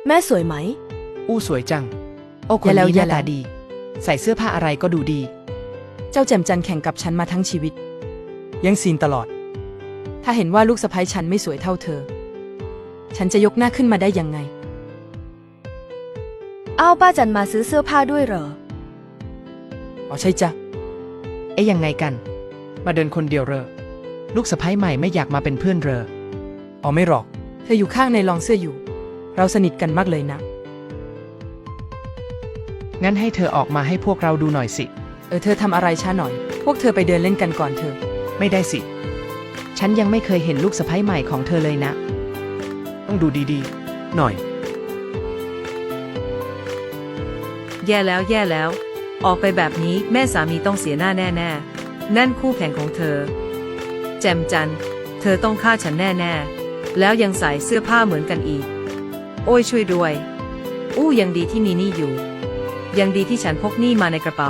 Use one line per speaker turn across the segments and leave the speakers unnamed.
แม่สวยไหม
อู้สวยจังโอ้คนนี้หน้าตาดีใส่เสื้อผ้าอะไรก็ดูดี
เจ้าแจ่มจันแข่งกับฉันมาทั้งชีวิตยังซีนตลอดถ้าเห็นว่าลูกสะใภ้ฉันไม่สวยเท่าเธอฉันจะยกหน้าขึ้นมาได้ยังไง
อ้าวป้าจันมาซื้อเสื้อผ้าด้วยเหรอ
อ๋อใช่จ้ะ
ยังไงกันมาเดินคนเดียวเหรอลูกสะใภ้ใหม่ไม่อยากมาเป็นเพื่อนเหรอ
อ๋อไม่หรอกเธออยู่ข้างในลองเสื้ออยู่เราสนิทกันมากเลยนะ
งั้นให้เธอออกมาให้พวกเราดูหน่อยสิ
เธอทำอะไรช้าหน่อยพวกเธอไปเดินเล่นกันก่อนเถอะ
ไม่ได้สิฉันยังไม่เคยเห็นลูกสะใภ้ใหม่ของเธอเลยนะต้องดูดีๆหน่อย
แย่แล้วออกไปแบบนี้แม่สามีต้องเสียหน้าแน่ๆนั่นคู่แข่งของเธอแจมจันเธอต้องฆ่าฉันแน่ๆแล้วยังใส่เสื้อผ้าเหมือนกันอีกโอ้ยช่วยด้วยอู้ยังดีที่มีนี่อยู่ยังดีที่ฉันพกนี่มาในกระเป๋า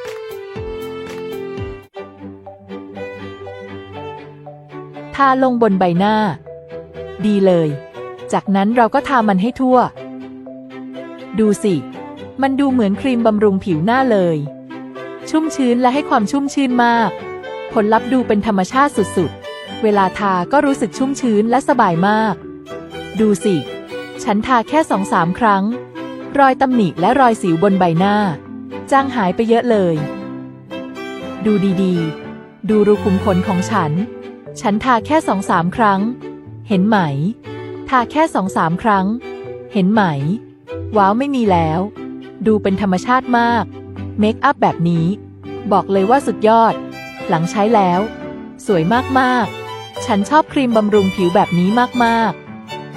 ทาลงบนใบหน้าดีเลยจากนั้นเราก็ทามันให้ทั่วดูสิมันดูเหมือนครีมบำรุงผิวหน้าเลยชุ่มชื้นและให้ความชุ่มชื่นมากผลลัพธ์ดูเป็นธรรมชาติสุดๆเวลาทาก็รู้สึกชุ่มชื้นและสบายมากดูสิฉันทาแค่ 2-3 ครั้งรอยตำหนิและรอยสิวบนใบหน้าจางหายไปเยอะเลยดูดีๆดูรูขุมขนของฉันทาแค่ 2-3 ครั้งเห็นไหมทาแค่ 2-3 ครั้งเห็นไหมว้าวไม่มีแล้วดูเป็นธรรมชาติมากเมคอัพแบบนี้บอกเลยว่าสุดยอดหลังใช้แล้วสวยมากๆฉันชอบครีมบำรุงผิวแบบนี้มากๆ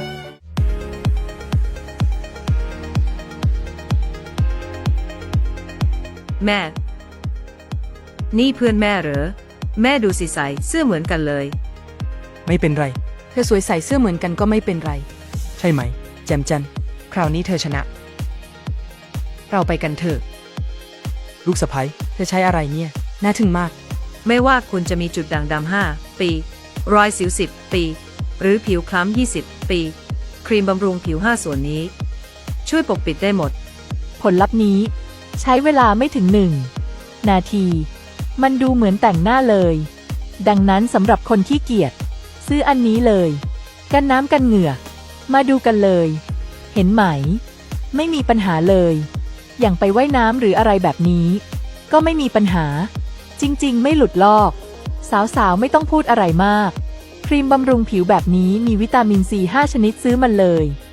แม่นี่เพื่อนแม่เหรอแม่ดูสิใส่เสื้อเหมือนกันเลย
ไม่เป็นไรเธอสวยใส่เสื้อเหมือนกันก็ไม่เป็นไรใช่ไหมแจ่มจัน
คราวนี้เธอชนะเราไปกันเถอะ
ลูกสะใภ้เธอใช้อะไรเนี่ยน่าทึ่งมาก
ไม่ว่าคุณจะมีจุดด่างดำ5 ปีรอยสิว10 ปีหรือผิวคล้ำ20 ปีครีมบำรุงผิว5ส่วนนี้ช่วยปกปิดได้หมด
ผลลัพธ์นี้ใช้เวลาไม่ถึง1 นาทีมันดูเหมือนแต่งหน้าเลยดังนั้นสำหรับคนขี้เกียจซื้ออันนี้เลยกันน้ำกันเหงื่อมาดูกันเลยเห็นไหมไม่มีปัญหาเลยอย่างไปว่ายน้ำหรืออะไรแบบนี้ก็ไม่มีปัญหาจริงๆไม่หลุดลอกสาวๆไม่ต้องพูดอะไรมากครีมบำรุงผิวแบบนี้มีวิตามินซี5 ชนิดซื้อมันเลย